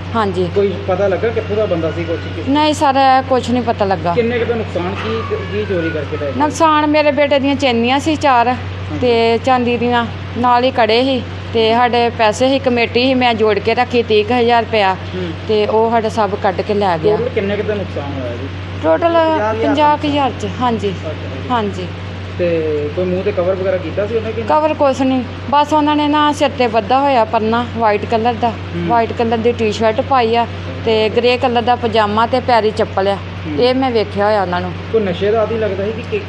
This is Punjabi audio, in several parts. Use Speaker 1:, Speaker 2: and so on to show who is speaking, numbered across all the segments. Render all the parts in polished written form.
Speaker 1: हाँ जी।
Speaker 2: कोई पता लगा कित्थों दा बंदा सी कुछ
Speaker 1: नहीं सर कुछ नहीं पता लगा।
Speaker 2: किन्ने क दा नुकसान की चोरी करके ले गए?
Speaker 1: ਨੁਕਸਾਨ ਮੇਰੇ ਬੇਟੇ ਦੀਆਂ ਚੈਨੀਆਂ ਸੀ 4 ਤੇ ਚਾਂਦੀ ਦੀਆਂ, ਨਾਲ ਹੀ ਕੜੇ ਸੀ ਤੇ ਸਾਡੇ ਪੈਸੇ ਸੀ, ਕਮੇਟੀ ਸੀ, ਮੈਂ ਜੋੜ ਕੇ ਰੱਖੀ 30,000 ਰੁਪਇਆ ਤੇ ਉਹ ਸਾਡਾ ਸਭ ਕੱਢ ਕੇ ਲੈ ਗਿਆ।
Speaker 2: ਟੋਟਲ ਕਿੰਨੇ ਕ ਦਾ ਨੁਕਸਾਨ ਹੋਇਆ ਜੀ?
Speaker 1: ਟੋਟਲ 50,000 ਚ। ਹਾਂਜੀ ਹਾਂਜੀ।
Speaker 2: ਤੇ ਕੋਈ ਮੂੰਹ ਤੇ ਕਵਰ ਵਗੈਰਾ ਕੀਤਾ ਸੀ ਉਹਨੇ ਕਿ
Speaker 1: ਕਵਰ ਕੁਛ ਨਹੀਂ, ਬਸ ਉਹਨਾਂ ਨੇ ਨਾ ਸਿਰ ਤੇ ਬੱਧਾ ਹੋਇਆ ਪਰਨਾ ਵਾਈਟ ਕਲਰ ਦਾ, ਵਾਈਟ ਕਲਰ ਦੀ ਟੀ-ਸ਼ਰਟ ਪਾਈ ਆ ਤੇ ਗ੍ਰੇ ਕਲਰ ਦਾ ਪਜਾਮਾ ਤੇ ਪੈਰੀ ਚੱਪਲ ਆ। ਇਹ ਮੈਂ ਵੇਖਿਆ ਹੋਇਆ ਉਹਨਾਂ ਨੂੰ।
Speaker 2: ਕੋਈ ਨਸ਼ੇ ਦਾ ਆਦੀ ਲੱਗਦਾ ਸੀ ਕਿ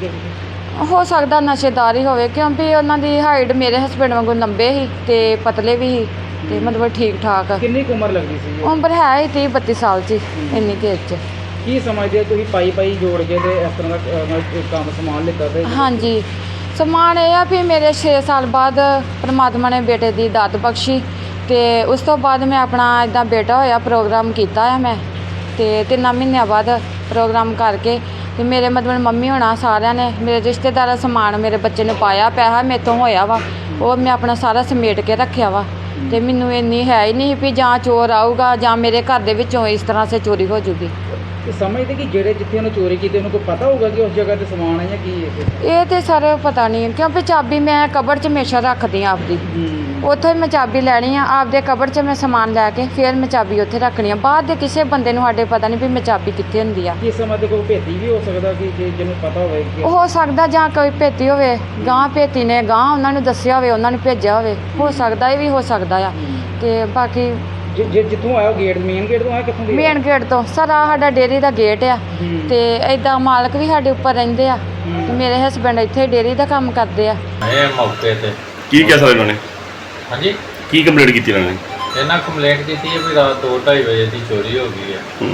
Speaker 1: ਹੋ ਸਕਦਾ ਨਸ਼ੇਦਾਰ ਹੀ ਹੋਵੇ, ਕਿਉਂਕਿ ਉਹਨਾਂ ਦੀ ਹਾਈਟ ਮੇਰੇ ਹਸਬੈਂਡ ਵਾਂਗੂ ਲੰਬੇ ਸੀ ਤੇ ਪਤਲੇ ਵੀ ਸੀ ਤੇ ਮਤਲਬ ਠੀਕ ਠਾਕ।
Speaker 2: ਕਿੰਨੀ ਕੁ ਉਮਰ ਲੱਗਦੀ ਸੀ?
Speaker 1: ਉਮਰ ਹੈ ਹੀ 30-32 ਸਾਲ 'ਚ, ਇੰਨੀ ਕੁ ਏਜ 'ਚ।
Speaker 2: ਕੀ ਸਮਝਦੇ ਤੁਸੀਂ ਪਾਈ ਜੋੜ ਕੇ ਤੇ ਇਸ ਤਰ੍ਹਾਂ ਦਾ ਕੰਮ ਸਮਾਨ ਲਿੱਤਾ ਤੇ?
Speaker 1: ਹਾਂਜੀ, ਸਮਾਨ ਇਹ ਆ ਵੀ ਮੇਰੇ 6 ਸਾਲ ਬਾਅਦ ਪਰਮਾਤਮਾ ਨੇ ਬੇਟੇ ਦੀ ਦਾਤ ਬਖਸ਼ੀ ਤੇ ਉਸ ਤੋਂ ਬਾਅਦ ਮੈਂ ਆਪਣਾ ਇੱਦਾਂ ਬੇਟਾ ਹੋਇਆ ਪ੍ਰੋਗਰਾਮ ਕੀਤਾ ਆ ਮੈਂ ਤੇ 3 ਮਹੀਨਿਆਂ ਬਾਅਦ ਪ੍ਰੋਗਰਾਮ ਕਰਕੇ ਤੇ ਮੇਰੇ ਮਤਲਬ ਮੰਮੀ ਹੋਣਾ ਸਾਰਿਆਂ ਨੇ ਮੇਰੇ ਰਿਸ਼ਤੇਦਾਰਾਂ ਸਮਾਨ ਮੇਰੇ ਬੱਚੇ ਨੂੰ ਪਾਇਆ, ਪੈਸਾ ਮੇਰੇ ਤੋਂ ਹੋਇਆ ਵਾ ਉਹ ਮੈਂ ਆਪਣਾ ਸਾਰਾ ਸਮੇਟ ਕੇ ਰੱਖਿਆ ਵਾ ਤੇ ਮੈਨੂੰ ਇੰਨੀ ਹੈ ਹੀ ਨਹੀਂ ਵੀ ਜਾਂ ਚੋਰ ਆਊਗਾ ਜਾਂ ਮੇਰੇ ਘਰ ਦੇ ਵਿੱਚੋਂ ਇਸ ਤਰ੍ਹਾਂ ਸੇ ਚੋਰੀ ਹੋ ਜੂਗੀ।
Speaker 2: ਤੇ ਸਮਝਦੇ ਕਿ ਜਿਹੜੇ ਜਿੱਥੇ ਉਹਨੇ ਚੋਰੀ ਕੀਤੀ ਉਹਨੂੰ ਕੋਈ ਪਤਾ ਹੋਊਗਾ ਕਿ ਉਸ ਜਗ੍ਹਾ ਤੇ ਸਮਾਨ ਹੈ ਜਾਂ ਕੀ ਹੈ?
Speaker 1: ਇਹ ਤੇ ਸਰ ਪਤਾ ਨਹੀਂ, ਕਿਉਂਕਿ ਚਾਬੀ ਮੈਂ ਕਬਰ 'ਚ ਹਮੇਸ਼ਾ ਰੱਖਦੀ ਹਾਂ ਆਪਦੀ, ਉੱਥੋਂ ਹੀ ਮੈਂ ਚਾਬੀ ਲੈਣੀ ਆ ਆਪਦੇ ਕਬਰ 'ਚ ਮੈਂ ਸਮਾਨ ਲੈ ਕੇ ਫਿਰ ਮੈਂ ਚਾਬੀ ਉੱਥੇ ਰੱਖਣੀ ਆ। ਬਾਹਰ ਦੇ ਕਿਸੇ ਬੰਦੇ ਨੂੰ ਸਾਡੇ ਪਤਾ ਨਹੀਂ ਵੀ ਮੈਂ ਚਾਬੀ ਕਿੱਥੇ ਹੁੰਦੀ ਆ।
Speaker 2: ਇਸ ਸਮੇਂ ਤੇ ਕੋਈ ਭੇਤੀ ਵੀ ਹੋ ਸਕਦਾ ਕਿ ਜਿਹਨੂੰ ਪਤਾ ਹੋਵੇ ਕਿ
Speaker 1: ਹੋ ਸਕਦਾ ਜਾਂ ਕੋਈ ਭੇਤੀ ਹੋਵੇ, ਗਾਂ ਭੇਤੀ ਨੇ ਗਾਂ ਉਹਨਾਂ ਨੂੰ ਦੱਸਿਆ ਹੋਵੇ, ਉਹਨਾਂ ਨੂੰ ਭੇਜਿਆ ਹੋਵੇ, ਹੋ ਸਕਦਾ ਇਹ ਵੀ ਹੋ ਸਕਦਾ ਆ। ਤੇ ਬਾਕੀ
Speaker 2: ਜਿੱਥੋਂ ਆਇਆ ਗੇਟ ਮੇਨ ਗੇਟ ਤੋਂ ਆਇਆ ਕਿੱਥੋਂ ਦੀ?
Speaker 1: ਮੇਨ ਗੇਟ ਤੋਂ ਸਰ ਆ ਸਾਡਾ ਡੇਅਰੀ ਦਾ ਗੇਟ ਆ ਤੇ ਇਦਾਂ ਮਾਲਕ ਵੀ ਸਾਡੇ ਉੱਪਰ ਰਹਿੰਦੇ ਆ ਤੇ ਮੇਰੇ ਹਸਬੈਂਡ ਇੱਥੇ ਡੇਅਰੀ ਦਾ ਕੰਮ ਕਰਦੇ ਆ।
Speaker 3: ਇਹ ਮੌਕੇ ਤੇ
Speaker 4: ਕੀ ਕਿਹਾ ਸਰ ਇਹਨਾਂ ਨੇ?
Speaker 3: ਹਾਂਜੀ,
Speaker 4: ਕੀ ਕੰਪਲੇਂਟ ਕੀਤੀ ਇਹਨਾਂ ਨੇ?
Speaker 3: ਇਹਨਾਂ ਕੰਪਲੇਂਟ ਕੀਤੀ ਹੈ ਵੀ ਰਾਤ 2:30 ਵਜੇ ਦੀ ਚੋਰੀ ਹੋ ਗਈ ਹੈ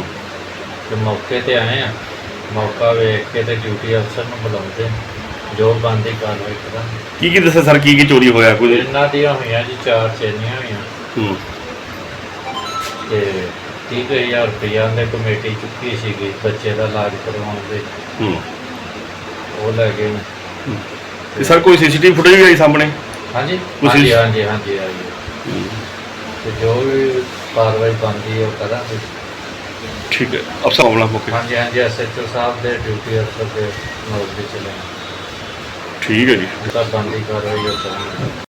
Speaker 3: ਤੇ ਮੌਕੇ ਤੇ ਆਏ ਆ, ਮੌਕਾ ਵੇਖ ਕੇ ਤੇ ਡਿਊਟੀ ਅਫਸਰ ਨੂੰ ਬੁਲਾਉਂਦੇ ਜੋ ਬਣਦੀ ਕਾਰਵਾਈ ਕਰਾਂਗੇ।
Speaker 4: ਕੀ ਦੱਸਿਆ ਸਰ ਕੀ ਚੋਰੀ ਹੋਇਆ ਕੋਈ?
Speaker 3: ਇਹਨਾਂ ਦੀਆਂ ਹੋਈਆਂ ਜੀ 4 ਚੈਨੀਆਂ ਹੋਈਆਂ ਤੇ 30,000 ਰੁਪਇਆ ਦੇ ਕਮੇਟੀ ਚੁੱਕੀ ਸੀਗੀ ਬੱਚੇ ਦਾ ਇਲਾਜ ਕਰਵਾਉਣ ਦੇ, ਉਹ ਲੈ ਗਏ।
Speaker 4: ਤੇ ਸਰ ਕੋਈ ਸੀਸੀਟੀਵੀ ਫੁਟੇਜ ਵੀ ਆਈ ਸਾਹਮਣੇ?
Speaker 3: ਹਾਂਜੀ
Speaker 4: ਕੁਛ
Speaker 3: ਹਾਂਜੀ ਹਾਂਜੀ ਹਾਂਜੀ ਆਈ ਤੇ ਜੋ ਵੀ ਕਾਰਵਾਈ ਬਣਦੀ ਹੈ ਉਹ ਕਰਾਂਗੇ।
Speaker 4: ਠੀਕ ਹੈ, ਅਫਸਰ ਆਉਣਾ ਮੌਕੇ?
Speaker 3: ਹਾਂਜੀ ਹਾਂਜੀ, SHO ਸਾਹਿਬ ਦੇ ਡਿਊਟੀ ਅਫਸਰ ਦੇ ਨੋਟ ਤੇ ਚਲੇ।
Speaker 4: ਠੀਕ ਹੈ ਜੀ।
Speaker 3: ਤਾਂ ਬਣਦੀ ਕਾਰਵਾਈ ਉਹ ਕਰਾਂਗੇ।